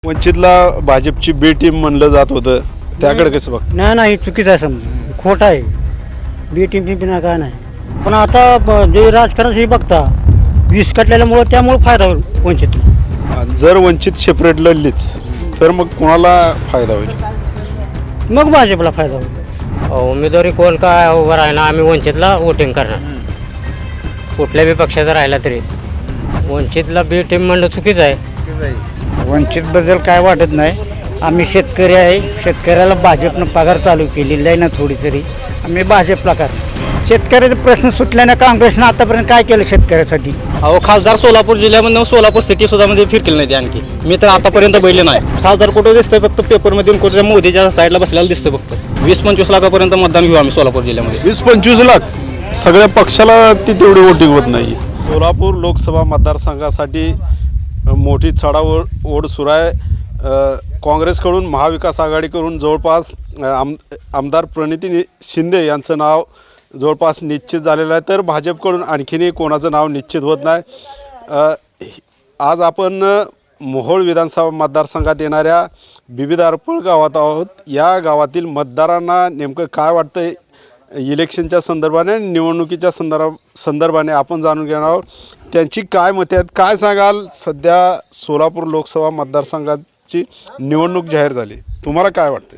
वंचितला भाजपची बी टीम म्हणलं जात होतं, त्याकडे कसं बघ? नाही चुकीचं आहे, समजा खोटं आहे. बी टीम पिंपिना काय नाही. पण आता जे राजकारण हे बघता वीस कटलेल्यामुळं त्यामुळे फायदा होईल वंचितला. जर वंचित सेपरेट लढलीच तर मग कोणाला फायदा होईल? मग भाजपला फायदा होईल. उमेदवारी कोण काय उभं राहिला आम्ही वंचितला वोटिंग करणार. कुठल्या बी पक्षाचा राहिला तरी वंचितला बी टीम म्हणलं चुकीचं आहे. वंचितबद्दल काय वाटत नाही. आम्ही शेतकरी आहे, शेतकऱ्याला भाजपनं पगार चालू केलेला आहे ना थोडी तरी. आम्ही भाजपला करणार. शेतकऱ्याचे प्रश्न सुटल्याने काँग्रेसनं आतापर्यंत काय केलं शेतकऱ्यासाठी? अहो खासदार सोलापूर जिल्ह्यामध्ये सोलापूर सिटी सुद्धा मध्ये फिरकेल नाही ते आणखी. मी तर आतापर्यंत बघितले नाही. खासदार कुठं दिसतंय फक्त पेपरमध्ये कुठे मोदीच्या साईडला बसलेला दिसतंय फक्त. 20-25 लाखापर्यंत मतदान घेऊ आम्ही सोलापूर जिल्ह्यामध्ये. 20-25 लाख सगळ्या पक्षाला ती तेवढी वोटिंग होत नाही. सोलापूर लोकसभा मतदारसंघासाठी मोठी चढाओढ सुरू आहे. काँग्रेसकडून महाविकास आघाडीकडून जवळपास आमदार प्रणिती शिंदे यांचं नाव जवळपास निश्चित झालेलं आहे, तर भाजपकडून आणखीनही कोणाचं नाव निश्चित होत नाही. आज आपण मोहोळ विधानसभा मतदारसंघात येणाऱ्या विविध अर्पळ गावात आहोत. या गावातील मतदारांना नेमकं काय वाटतं इलेक्शनच्या संदर्भाने, निवडणुकीच्या संदर्भाने आपण जाणून घेणार आहोत. त्यांची काय मते आहेत, काय सांगाल? सध्या सोलापूर लोकसभा मतदारसंघाची निवडणूक जाहीर झाली, तुम्हाला काय वाटतं?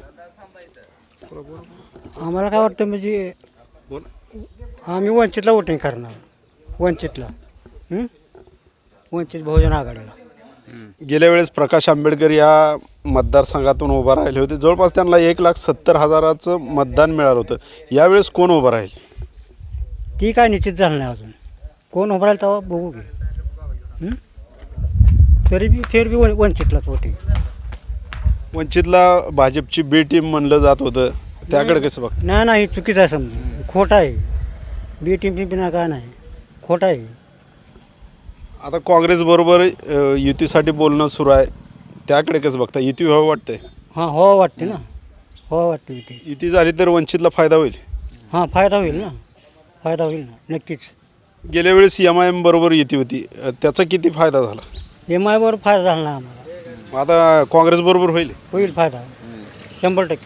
आम्हाला काय वाटतं म्हणजे आम्ही वंचितला वोटिंग करणार. वंचितला वंचित बहुजन आघाडीला. गेल्या वेळेस प्रकाश आंबेडकर या मतदारसंघातून उभा राहिले होते. जवळपास त्यांना 1,70,000 मतदान मिळालं होतं. यावेळेस कोण उभं राहील? ती काय निश्चित झालं नाही अजून. कोण उभं राहील तेव्हा बघू घे. तरी बी वंचितलाच वोटिंग. वंचितला भाजपची बी टीम म्हणलं जात होतं, त्याकडे कसं बघ? नाही चुकीचं आहे, समजा खोटं आहे. बी टीम पिंपिना काय नाही, खोटं आहे. आता काँग्रेसबरोबर युतीसाठी बोलणं सुरू आहे, त्याकडे कसं बघता? युती व्हावं वाटतंय? हां हो वाटते ना, हो वाटते युती. युती झाली तर वंचितला फायदा होईल? हां फायदा होईल ना, फायदा होईल ना नक्कीच. गेल्या वेळेस MIM बरोबर युती होती, त्याचा किती फायदा झाला? MI बरोबर फायदा झाला नाही आम्हाला. आता काँग्रेसबरोबर होईल? होईल फायदा 100%.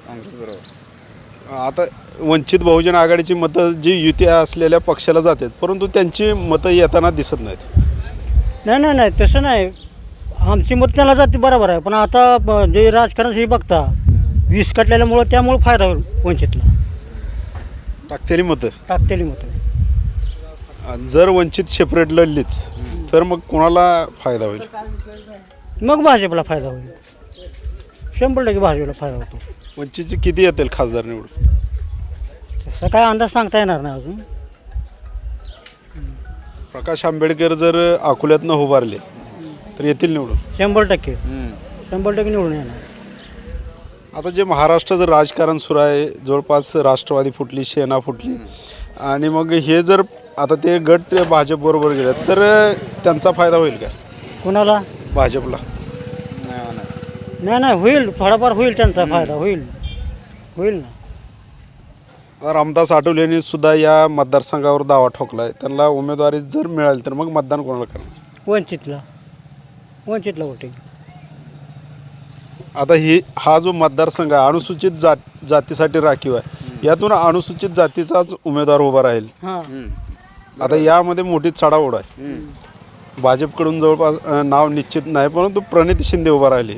आता वंचित बहुजन आघाडीची मतं जी युती असलेल्या पक्षाला जातात, परंतु त्यांची मतं येताना दिसत नाहीत. नाही तसं नाही. आमची मत त्याला जाते बरोबर आहे, पण आता जे राजकारण हे बघता वीस कटलेल्यामुळं त्यामुळे फायदा होईल वंचितला. टाकतेली मतं. टाकतेली मतं. जर वंचित सेपरेट लढलीच तर मग कोणाला फायदा होईल? मग भाजपला फायदा होईल. 100% भाजपला फायदा होतो. वंचितचे किती येतील खासदार निवडून? तसं काय अंदाज सांगता येणार नाही अजून. प्रकाश आंबेडकर जर अकोल्यातनं उभारले तर येतील निवडून? 100% निवडून येणार. आता जे महाराष्ट्राचं राजकारण सुरू आहे, जवळपास राष्ट्रवादी फुटली, सेना फुटली, आणि मग हे जर आता ते गट भाजपबरोबर गेले तर त्यांचा फायदा होईल का कुणाला? भाजपला? नाही होईल, थोडाफार होईल त्यांचा फायदा होईल ना. आता रामदास आठवले यांनी सुद्धा या मतदारसंघावर दावा ठोकला आहे. त्यांना उमेदवारी जर मिळाली तर मग मतदान कोणाला करणार? वंचितला वोटिंग. आता हा जो मतदारसंघ आहे अनुसूचित जातीसाठी राखीव आहे, यातून अनुसूचित जातीचाच उमेदवार उभा राहील. हां आता यामध्ये मोठी चढाओढ आहे. भाजपकडून जवळपास नाव निश्चित नाही, परंतु प्रणिती शिंदे उभा राहिली.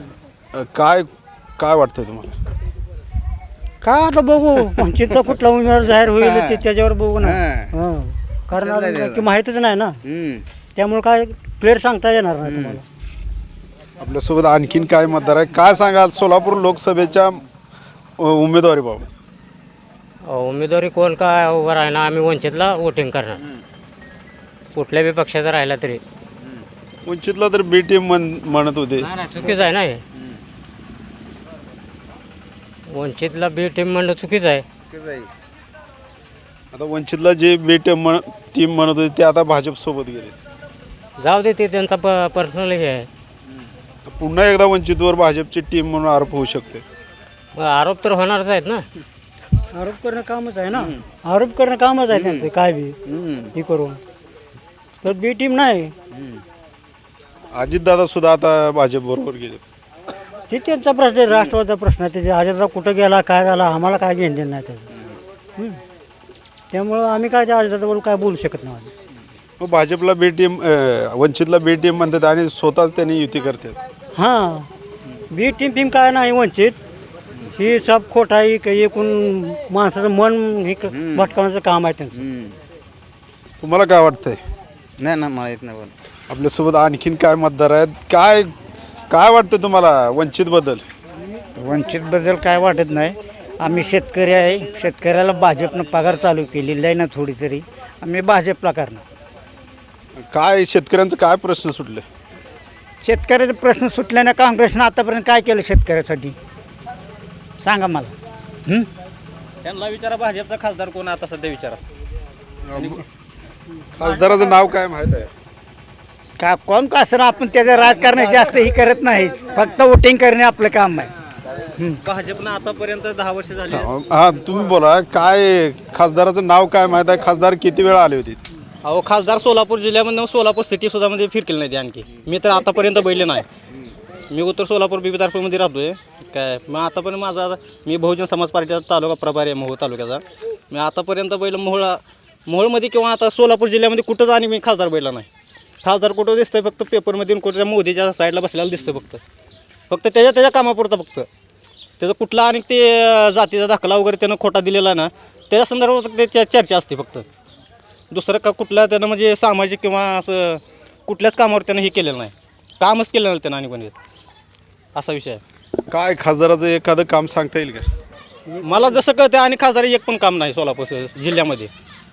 काय वाटतं तुम्हाला? काय आता बघू वंचितचा कुठला उमेदवार जाहीर होईल त्याच्यावर बघू ना. हां कारण अजून की माहीतच नाही ना, त्यामुळे काय प्लेअर सांगता येणार नाही तुम्हाला. आपल्यासोबत आणखीन काय मतदार आहे, काय सांगाल सोलापूर लोकसभेच्या उमेदवारीबाबत? उमेदवारी कोण काय उभं राहिला आम्ही वंचितला वोटिंग करणार. कुठल्या बी पक्षाचा राहिला तरी. वंचितला तर बी टीम म्हणत होते. चुकीचं आहे ना हे. वंचितला बी टीम म्हणलं चुकीचं आहे. आता वंचितला जे बी टीम म्हणत होते ते आता भाजपसोबत गेले. जाऊ दे, ते त्यांचा पर्सनल हे आहे. पुन्हा एकदा वंचितवर भाजपची टीम म्हणून आरोप होऊ शकते. मग आरोप तर होणारच आहेत ना. आरोप करणं कामच आहे ना, आरोप करणं कामच आहे त्यांचं. काय बी हे करून तर बी टीम नाही. अजितदादा सुद्धा आता भाजपबरोबर गेले. ते त्यांचा प्रश्न आहे, राष्ट्रवादीचा प्रश्न आहे. त्याच्या अजितदादा कुठं गेला काय झाला आम्हाला काय घेणं देणं नाही त्याचं. त्यामुळं आम्ही काय त्या अजितदादाबरोबर काय बोलू शकत नाही. मग भाजपला बी टीम वंचितला बी टीम म्हणतात आणि स्वतःच त्यांनी युती करतात. हां बी टीम काय नाही वंचित ही सब खोट आहे की एकूण माणसाचं मन हे भटकावण्याचं काम आहे त्यांचं. तुम्हाला काय वाटतंय? नाही ना मला येत नाही बोल. आपल्यासोबत आणखीन काय मतदार आहेत? काय काय वाटतं तुम्हाला वंचितबद्दल? वंचितबद्दल काय वाटत नाही. आम्ही शेतकरी आहे, शेतकऱ्याला भाजपनं पगार चालू केलेला आहे ना थोडी तरी, आम्ही भाजपला करणार. काय शेतकऱ्यांचं काय प्रश्न सुटले? शेतकऱ्याचे प्रश्न सुटल्याने काँग्रेसनं आतापर्यंत काय केलं शेतकऱ्यासाठी सांगा मला. त्यांना विचारा भाजपचा खासदार कोण आता सध्या विचारा. खासदाराचं नाव काय माहीत आहे? का कोण का असं आपण त्याचं राजकारण जास्त ही करत नाहीच, फक्त वोटिंग करणे आपलं काम आहे. भाजपनं आतापर्यंत 10 वर्ष झाली. हा तुम्ही बोला, काय खासदाराचं नाव काय माहीत आहे? खासदार किती वेळा आले होते? अहो खासदार सोलापूर जिल्ह्यामध्ये सोलापूर सिटी सुद्धा मध्ये फिरकेल नाही ते आणखी. मी तर आतापर्यंत बैले नाही. मी उत्तर सोलापूर बिबिदारपूरमध्ये राहतोय काय. मग आतापर्यंत मी बहुजन समाज पार्टीचा तालुका प्रभारी आहे मोहोळ तालुक्याचा. मी आतापर्यंत बैल मोहोळमध्ये किंवा आता सोलापूर जिल्ह्यामध्ये कुठंच आणि मी खासदार बैला नाही. खासदार कुठं दिसतंय फक्त पेपरमध्ये कुठल्या मोदीच्या साईडला बसलेला दिसतं फक्त त्याच्या कामापुरतं फक्त. त्याचं कुठला आणि ते जातीचा दाखला वगैरे त्यानं खोटा दिलेला आहे ना त्याच्या संदर्भात त्याच्या चर्चा असते फक्त. दुसरं का कुठल्या त्यानं म्हणजे सामाजिक किंवा असं कुठल्याच कामावर त्यानं हे केलेलं नाही. कामच केलं नाही त्यानं आणि कोणी असा विषय आहे. काय खासदाराचं एखादं काम सांगता येईल का? मला जसं कळतं आणि खासदार एक पण काम नाही सोलापूर जिल्ह्यामध्ये.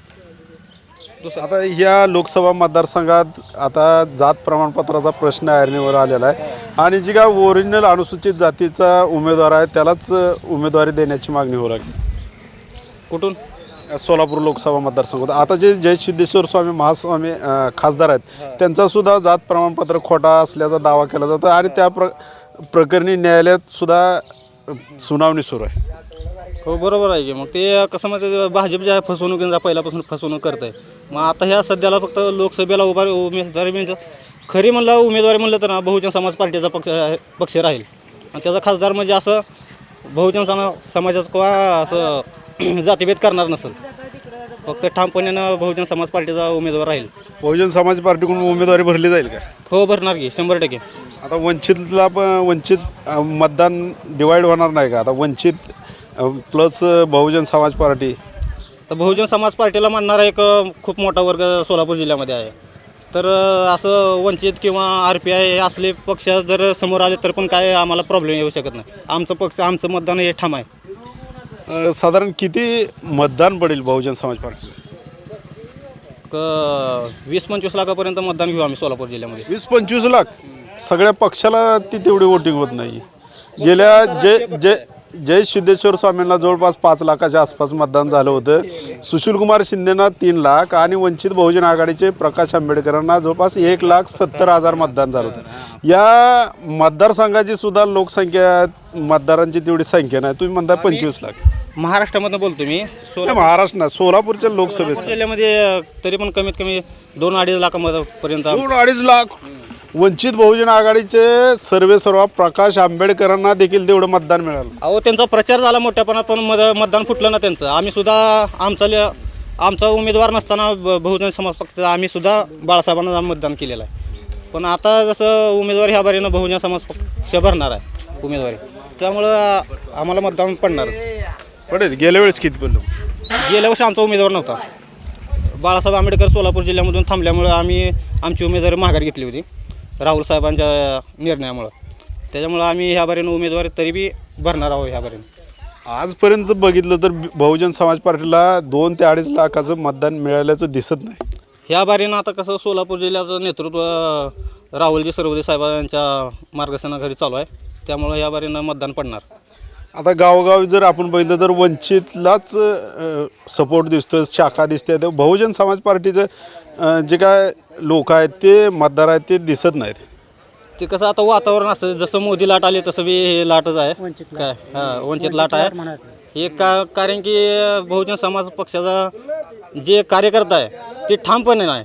आता या लोकसभा मतदारसंघात आता जात प्रमाणपत्राचा प्रश्न ऐरणीवर आलेला आहे आणि जी काय ओरिजिनल अनुसूचित जातीचा उमेदवार आहे त्यालाच उमेदवारी देण्याची मागणी होऊ लागली कुठून? सोलापूर लोकसभा मतदारसंघात. आता जे जय सिद्धेश्वर स्वामी महास्वामी खासदार आहेत त्यांचासुद्धा जात प्रमाणपत्र खोटा असल्याचा दावा केला जातो आणि त्या प्रकरणी न्यायालयात सुद्धा सुनावणी सुरू आहे. हो बरोबर आहे की. मग ते कसं म्हणजे भाजप ज्या फसवणुकीचा पहिल्यापासून फसवणूक करत आहे. मग आता ह्या सध्याला फक्त लोकसभेला उमेदवारी म्हणजे खरी म्हणलं उमेदवारी म्हणलं तर ना बहुजन समाज पार्टीचा पक्ष राहील आणि त्याचा खासदार म्हणजे असं बहुजन समाजाचं किंवा असं जातीभेद करणार नसेल. फक्त ठामपणानं बहुजन समाज पार्टीचा उमेदवार राहील. बहुजन समाज पार्टीकडून उमेदवारी भरली जाईल का? हो भरणार की 100%. आता वंचितला पण वंचित मतदान डिवाईड होणार नाही का? आता वंचित प्लस बहुजन समाज पार्टी. तर बहुजन समाज पार्टीला मानणारा एक खूप मोठा वर्ग सोलापूर जिल्ह्यामध्ये आहे. तर असं वंचित किंवा RPI हे असले पक्ष जर समोर आले तर पण काय आम्हाला प्रॉब्लेम येऊ शकत नाही. आमचं मतदान हे ठाम आहे. साधारण किती मतदान पडेल बहुजन समाज पार्टीला? 20-25 लाखापर्यंत मतदान घेऊ आम्ही सोलापूर जिल्ह्यामध्ये. 20-25 लाख? सगळ्या पक्षाला ती तेवढी वोटिंग होत नाही. गेल्या जय सिद्धेश्वर स्वामींना जवळपास 5 लाखाच्या आसपास मतदान झालं होतं. सुशीलकुमार शिंदेना 3 लाख आणि वंचित बहुजन आघाडीचे प्रकाश आंबेडकरांना जवळपास 1,70,000 मतदान झालं होतं. या मतदारसंघाची सुद्धा लोकसंख्या मतदारांची तेवढी संख्या नाही. तुम्ही म्हणता 25 लाख. महाराष्ट्रामधनं बोलतो मी. महाराष्ट्र ना सोलापूरच्या लोकसभेत जिल्ह्यामध्ये तरी पण कमीत कमी 2-2.5 लाखापर्यंत 2-2.5 लाख. वंचित बहुजन आघाडीचे सर्व प्रकाश आंबेडकरांना देखील तेवढं मतदान मिळालं. अहो त्यांचा प्रचार झाला मोठ्यापणा पण मतदान फुटलं ना त्यांचं. आम्ही सुद्धा आमचा उमेदवार नसताना बहुजन समाज पक्षाचा आम्ही सुद्धा बाळासाहेबांना मतदान केलेलं आहे. पण आता जसं उमेदवार ह्या बारीनं बहुजन समाज पक्ष भरणार आहे उमेदवारी त्यामुळं आम्हाला मतदान पडणारच. पडेल. गेल्या वेळेस किती पडलं? गेल्या वर्षी आमचा उमेदवार नव्हता. बाळासाहेब आंबेडकर सोलापूर जिल्ह्यामधून थांबल्यामुळं आम्ही आमची उमेदवारी माघार घेतली होती राहुल साहेबांच्या निर्णयामुळं. त्याच्यामुळं आम्ही ह्या बारीनं उमेदवारी तरी बी भरणार आहोत ह्या बारीनं. आजपर्यंत बघितलं तर बहुजन समाज पार्टीला 2 ते 2.5 लाखाचं मतदान मिळाल्याचं दिसत नाही. ह्या बारीनं आता कसं सोलापूर जिल्ह्याचं नेतृत्व राहुलजी सरवदे साहेबांच्या मार्गदर्शनाखाली चालू आहे. त्यामुळं ह्या बारीनं मतदान पडणार. आता गावोगावी जर आपण बघितलं तर वंचितलाच सपोर्ट दिसतो, शाखा दिसते. तर बहुजन समाज पार्टीचं जे काय लोक आहेत ते मतदार आहेत ते दिसत नाहीत. ते कसं आता वातावरण असतं जसं मोदी लाट आली तसं बी हे लाटच आहे काय. हां वंचित लाट आहे हे कारण की बहुजन समाज पक्षाचा जे कार्यकर्ता आहे ते ठामपणे नाही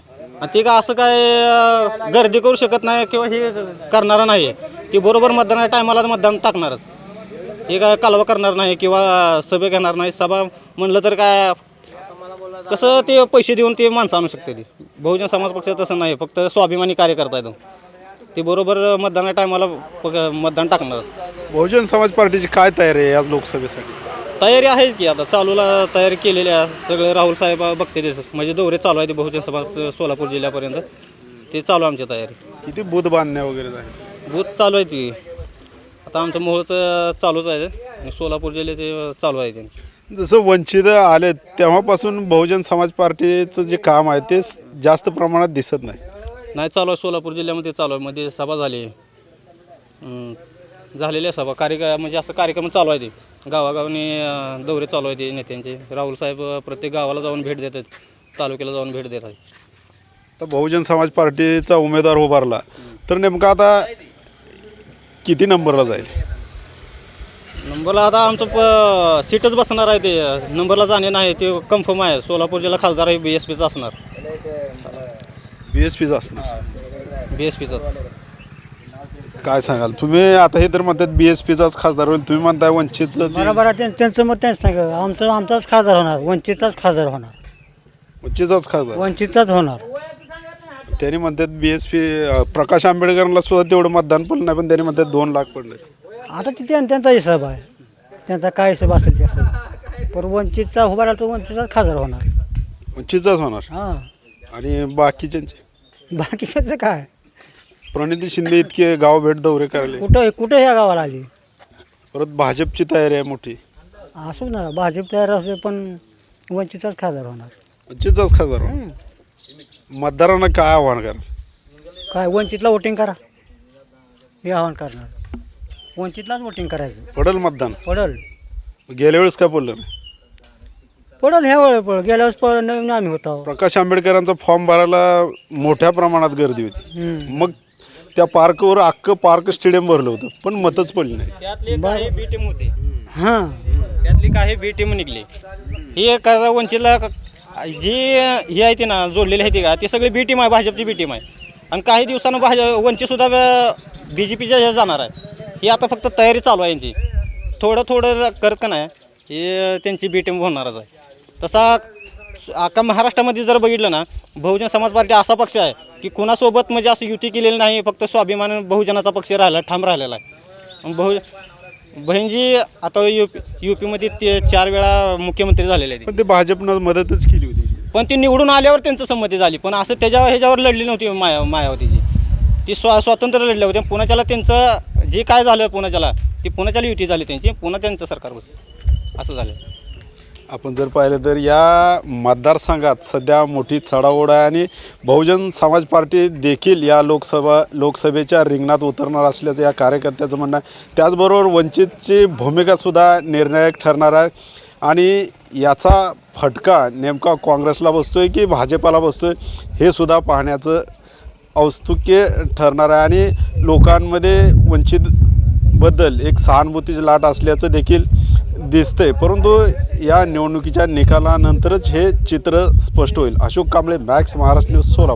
आणि ते काय असं काय गर्दी करू शकत नाही किंवा हे करणारं नाही ते बरोबर मतदानाच्या टायमाला मतदान टाकणारच. हे काय कालवा करणार नाही किंवा सभे घेणार नाही. सभा म्हणलं तर काय कसं ते पैसे देऊन ते माणसं आणू शकते. ती बहुजन समाज पक्ष तसं नाही, फक्त स्वाभिमानी कार्यकर्ता आहे तो. ते बरोबर मतदानाच्या टायमाला मतदान टाकणारच. बहुजन समाज पार्टीची काय तयारी आहे आज लोकसभेसाठी? तयारी आहेच की आता चालूला तयारी केलेली आहे. सगळं राहुल साहेब बघते तेच म्हणजे दौरे चालू आहे ते बहुजन समाज सोलापूर जिल्ह्यापर्यंत ते चालू आहे आमची तयारी. किती बूथ बांधण्या वगैरे झाली? बूथ चालू आहे ती आता आमचं मोहोळचं चालूच आहे आणि सोलापूर जिल्ह्यात ते चालू आहे ते. जसं वंचित आले तेव्हापासून बहुजन समाज पार्टीचं जे काम आहे ते जास्त प्रमाणात दिसत नाही. चालू आहे सोलापूर जिल्ह्यामध्ये चालू आहे. मध्ये सभा झाली झालेल्या सभा म्हणजे असं कार्यक्रम चालू आहे ते गावागावाने दौरे चालू आहे ते नेत्यांचे. राहुल साहेब प्रत्येक गावाला जाऊन भेट देतात, तालुक्याला जाऊन भेट देत आहे. तर बहुजन समाज पार्टीचा उमेदवार उभारला तर नेमका आता किती नंबरला जाईल? नंबरला आता आमचं सीटच बसणार आहे. ते नंबरला जाणे नाही ते कन्फर्म आहे. सोलापूर जिल्हा खासदार आहे BSPचा असणार. BSPचा असणार. BSPचाच. काय सांगाल तुम्ही? आता हे तर म्हणतात BSPचाच खासदार होईल, तुम्ही म्हणताय वंचितलं. बरोबर आहे. त्यांचं मत त्यांचं सांगा. आमचाच खासदार होणार, वंचितचाच खासदार होणार. वंचितचाच खासदार वंचितचाच होणार. त्यांनी म्हणतात BSP प्रकाश आंबेडकरांना सुद्धा तेवढं मतदान पडलं नाही, पण त्यांनी म्हणतात 2 लाख पडले. आता ते त्यांचा हिसाब आहे, त्यांचा काय हिसाब असेल ते असेल. पण वंचितचा उभा राहिला तो वंचितचाच खासदार होणार. वंचितचाच होणार. हां. आणि बाकीच्यांचे बाकीच्याचं काय? प्रणिती शिंदे इतके गाव भेट दौरे करायले. कुठं ह्या गावाला आली? परत भाजपची तयारी आहे मोठी. असू ना, भाजप तयार असेल पण वंचितचाच खासदार होणार. वंचितचाच खासदार होणार. मतदारांना काय आव्हान करा? काय वंचितला वोटिंग करा हे आव्हान करणार. वंचितलाच वोटिंग करायचं. पडल मतदान. पडल. गेल्या वेळेस काय पडलं नाही? पडल ह्या वेळेस पडल. गेल्या वेळेस नवीन आम्ही होतो. प्रकाश आंबेडकरांचा फॉर्म भरायला मोठ्या प्रमाणात गर्दी होती. मग त्या पार्कवर अख्खं पार्क स्टेडियम भरलं होतं, पण मतच पडली नाही. त्यातली काही बी टीम होती. हां. त्यातली काही बी टीम निघली. ही का वंचितला जी ही आहे ती ना जोडलेली आहे ती का ती सगळी बी टीम आहे, भाजपची बी टीम आहे. आणि काही दिवसानं वंचितसुद्धा BJPच्या ह्या जाणार आहे. ही आता फक्त तयारी चालू आहे यांची. थोडं करत का नाही हे त्यांची बी टीम होणारच आहे. तसा अख्खा महाराष्ट्रामध्ये जर बघितलं ना बहुजन समाज पार्टी असा पक्ष आहे की कुणासोबत म्हणजे असं युती केलेली नाही, फक्त स्वाभिमान बहुजनाचा पक्ष राहिला ठाम राहिलेला आहे. बहीणजी आता UPमध्ये ते 4 वेळा मुख्यमंत्री झालेले आहेत. पण ते भाजपनं मदतच केली होती. पण ती निवडून आल्यावर त्यांचं संमती झाली, पण असं ह्याच्यावर लढली नव्हती मायावतीची. ती स्वातंत्र्य लढले होते. पुण्याच्याला त्यांचं जे काय झालं पुण्याच्याला ती पुण्याच्याला युती झाली त्यांची, पुन्हा त्यांचं सरकार बसलं असं झालं. आपण जर पाहिलं तर या मतदारसंघात सध्या मोठी चढाओढ आहे आणि बहुजन समाज पार्टी देखील या लोकसभेच्या रिंगणात उतरणार असल्याचं या कार्यकर्त्याचं म्हणणं आहे. त्याचबरोबर वंचितची भूमिकासुद्धा निर्णायक ठरणार आहे आणि याचा फटका नेमका काँग्रेसला बसतो आहे की भाजपाला बसतो आहे हे सुद्धा पाहण्याचं औत्सुक्य ठरणार आहे. आणि लोकांमध्ये वंचितबद्दल एक सहानुभूतीची लाट असल्याचं देखील दिसतंय. परंतु या निवडणुकीच्या निकालानंतरच हे चित्र स्पष्ट होईल. Ashok Kamble, Max Maharashtra news, Solapur.